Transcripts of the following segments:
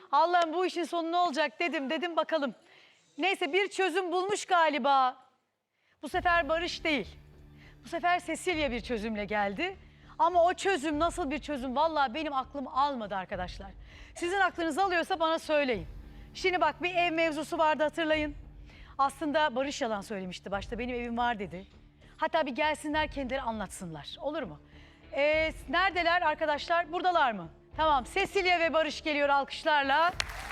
Allah'ım bu işin sonu ne olacak dedim bakalım. Neyse bir çözüm bulmuş galiba. Bu sefer Barış değil. Bu sefer Cecilia bir çözümle geldi. Ama o çözüm nasıl bir çözüm? Vallahi benim aklım almadı arkadaşlar. Sizin aklınız alıyorsa bana söyleyin. Şimdi bak bir ev mevzusu vardı hatırlayın. Aslında Barış yalan söylemişti başta. Benim evim var dedi. Hatta bir gelsinler kendileri anlatsınlar. Olur mu? Neredeler arkadaşlar? Buradalar mı? Tamam. Cecilia ve Barış geliyor alkışlarla.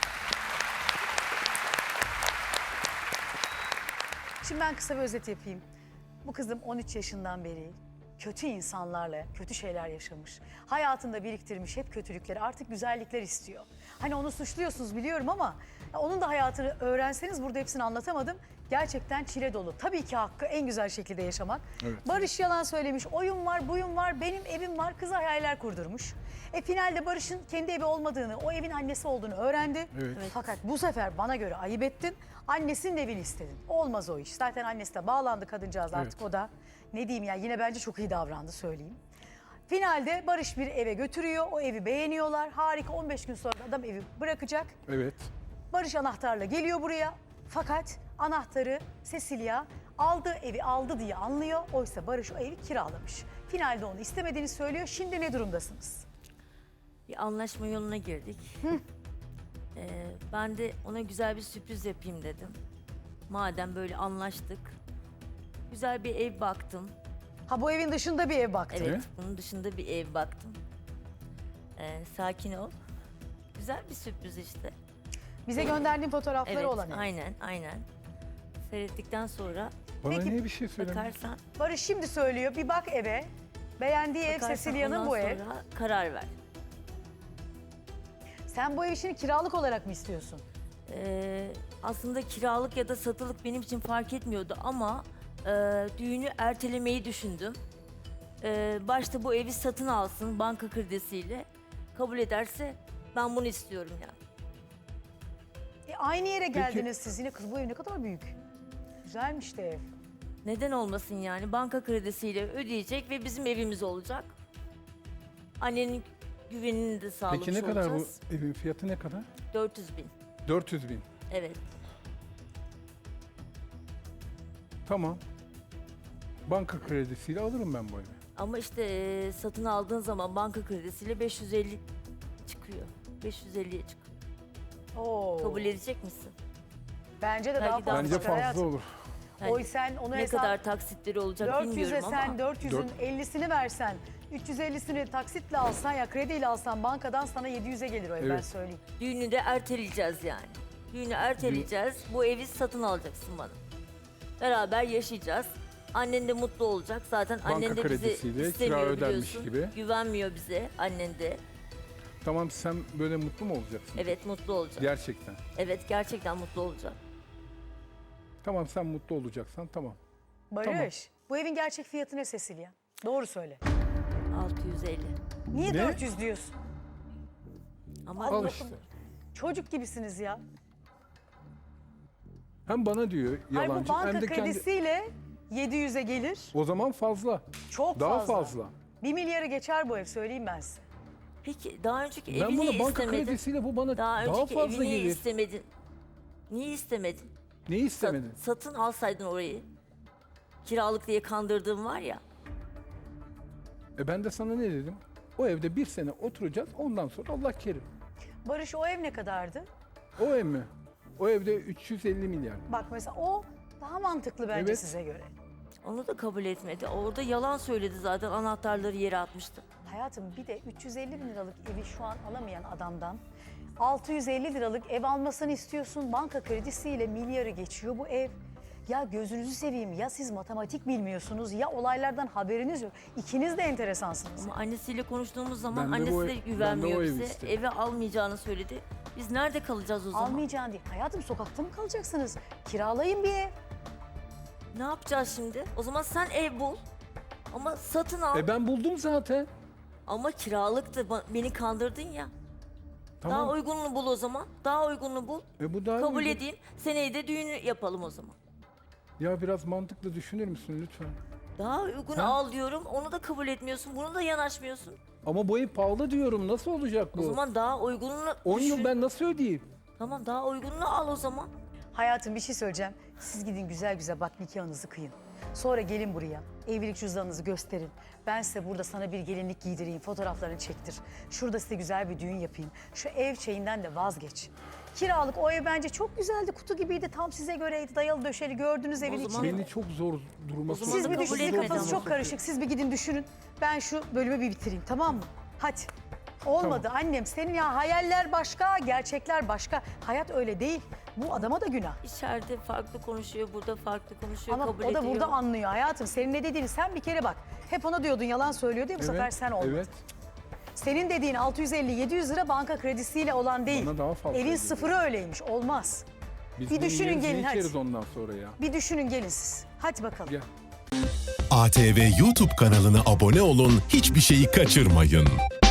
Şimdi ben kısa bir özet yapayım. Bu kızım 13 yaşından beri kötü insanlarla kötü şeyler yaşamış. Hayatında biriktirmiş hep kötülükleri. Artık güzellikler istiyor. Hani onu suçluyorsunuz biliyorum ama onun da hayatını öğrenseniz burada hepsini anlatamadım. Gerçekten çile dolu. Tabii ki hakkı en güzel şekilde yaşamak. Evet. Barış yalan söylemiş. Oyun var, buyum var, benim evim var. Kıza hayaller kurdurmuş. Finalde Barış'ın kendi evi olmadığını, o evin annesi olduğunu öğrendi. Evet. Fakat bu sefer bana göre ayıp ettin. Annesinin evini istedin. Olmaz o iş. Zaten annesi de bağlandı kadıncağız artık o da. Ne diyeyim ya yine bence çok iyi davrandı söyleyeyim. Finalde Barış bir eve götürüyor. O evi beğeniyorlar. Harika 15 gün sonra adam evi bırakacak. Evet. Barış anahtarla geliyor buraya. Fakat anahtarı Cecilia aldığı evi aldı diye anlıyor. Oysa Barış o evi kiralamış. Finalde onu istemediğini söylüyor. Şimdi ne durumdasınız? Bir anlaşma yoluna girdik. Ben de ona güzel bir sürpriz yapayım dedim. Madem böyle anlaştık. Güzel bir ev baktım. Ha bu evin dışında bir ev baktın. Evet, bunun dışında bir ev baktım. Sakin ol. Güzel bir sürpriz işte. Bize gönderdiğin fotoğrafları Evet, olan ev. aynen. Seyrettikten sonra Bana Peki, niye bir şey söylemiyorsun? bakarsan, Barış şimdi söylüyor bir bak eve. Beğendiği ev Cecilia'nın ondan bu ev. sonra karar ver. Sen bu ev işini kiralık olarak mı istiyorsun? Aslında kiralık ya da satılık benim için fark etmiyordu ama düğünü ertelemeyi düşündüm. Başta bu evi satın alsın banka kredisiyle. Kabul ederse ben bunu istiyorum yani. Aynı yere geldiniz siz yine. Kız bu ev ne kadar büyük. Güzelmiş de ev. Neden olmasın yani? Banka kredisiyle ödeyecek ve bizim evimiz olacak. Annenin güvenini de sağlamış Peki ne olacağız. kadar bu evin fiyatı ne kadar? 400 bin. 400 bin. Evet. Tamam. Banka kredisiyle alırım ben bu evi. Ama işte satın aldığın zaman banka kredisiyle 550 çıkıyor. 550'ye çıkıyor. Oo. Kabul edecek misin? Bence de daha Belki fazla daha Bence çıkar fazla hayatım. olur. Yani Oy sen onu ne hesap... kadar taksitleri olacak 400'e bilmiyorum sen ama 400'ün 50'sini versen, 350'sini taksitle alsan ya krediyle alsan bankadan sana 700'e gelir o ev ben Evet. söyleyeyim. düğünü de erteleyeceğiz yani. Düğünü erteleyeceğiz. Bu evi satın alacaksın bana. Beraber yaşayacağız. Annen de mutlu olacak. Zaten Banka annen de bizi kredisiyle kira istemiyor ödenmiş biliyorsun. gibi. Güvenmiyor bize annen de. Tamam sen böyle mutlu mu olacaksın? Evet mutlu olacak. Gerçekten. Evet gerçekten mutlu olacak. Tamam sen mutlu olacaksan tamam. Barış, Tamam. bu evin gerçek fiyatı ne Cecilia? Doğru söyle. 650. Niye Ne? 400 diyorsun? Ama Al işte. Çocuk gibisiniz ya. Hem bana diyor Hayır bu yalancı banka hem de kendi... kredisiyle 700'e gelir. O zaman fazla. Çok Daha fazla. fazla. 1 milyarı geçer bu ev söyleyeyim ben size. peki daha önceki Ben evini bunu banka istemedin. kredisiyle bu bana Daha daha önceki fazla evini gelir. istemedin. Niye istemedin? Neyi istemedin? Satın alsaydın orayı. Kiralık diye kandırdığım var ya. Ben de sana ne dedim? O evde bir sene oturacağız ondan sonra Allah kerim. Barış o ev ne kadardı? O ev mi? O evde 350 milyar. Bak mesela o daha mantıklı bence Evet. size göre. Onu da kabul etmedi. Orada yalan söyledi zaten anahtarları yere atmıştı. Hayatım bir de 350 bin liralık evi şu an alamayan adamdan 650 liralık ev almasını istiyorsun. Banka kredisiyle milyarı geçiyor bu ev. Ya gözünüzü seveyim ya siz matematik bilmiyorsunuz ya olaylardan haberiniz yok. İkiniz de enteresansınız. Ama annesiyle konuştuğumuz zaman Ben de bu annesi de ev- ben de güvenmiyor o evi bize. isterim. Eve almayacağını söyledi. Biz nerede kalacağız o zaman? Almayacağın değil. Hayatım sokakta mı kalacaksınız? Kiralayın bir ev. Ne yapacağız şimdi? O zaman sen ev bul. Ama satın al. Ben buldum zaten. Ama kiralıktı. Beni kandırdın ya. Tamam. Daha uygununu bul o zaman. Daha uygununu bul. Bu daha Kabul uygun. edeyim. Seneye de düğünü yapalım o zaman. Ya biraz mantıklı düşünür müsün lütfen? Daha uygun Ha? al diyorum. Onu da kabul etmiyorsun. Bunu da yanaşmıyorsun. Ama bu ev pahalı diyorum. Nasıl olacak bu? O zaman daha uygununu 10 yıl düşün. ben nasıl ödeyeyim? Tamam, daha uygununu al o zaman. Hayatım bir şey söyleyeceğim. Siz gidin güzel güzel bak nikahınızı kıyın. Sonra gelin buraya. Evlilik cüzdanınızı gösterin. Ben size burada sana bir gelinlik giydireyim. Fotoğraflarını çektir. Şurada size güzel bir düğün yapayım. Şu ev şeyinden de vazgeç. Kiralık o ev bence çok güzeldi. Kutu gibiydi. Tam size göreydi. Dayalı döşeli gördünüz evin zaman- içini. Beni çok zor duruma O zaman Siz da bir kabul düşünün. etmedi Kafanız ama. çok karışık. Siz bir gidin düşünün. Ben şu bölümü bir bitireyim, tamam mı? Hadi. Olmadı annem. Senin ya hayaller başka, gerçekler başka. Hayat öyle değil. Bu adama da günah. İçeride farklı konuşuyor, burada farklı konuşuyor, Ama kabul o da ediyor. burada anlıyor hayatım. Senin ne dediğini sen bir kere bak. Hep ona diyordun yalan söylüyor diye bu sefer sen olmadın. Evet. Senin dediğin 650-700 lira banka kredisiyle olan değil. Bana daha fazla Evin ödüyor. sıfırı öyleymiş. Olmaz. Biz Bir bunun düşünün yenisini gelin, hadi. içeriz ondan sonra ya. Bir düşünün gelin siz. Hadi bakalım. Gel. ATV YouTube kanalına abone olun, hiçbir şeyi kaçırmayın.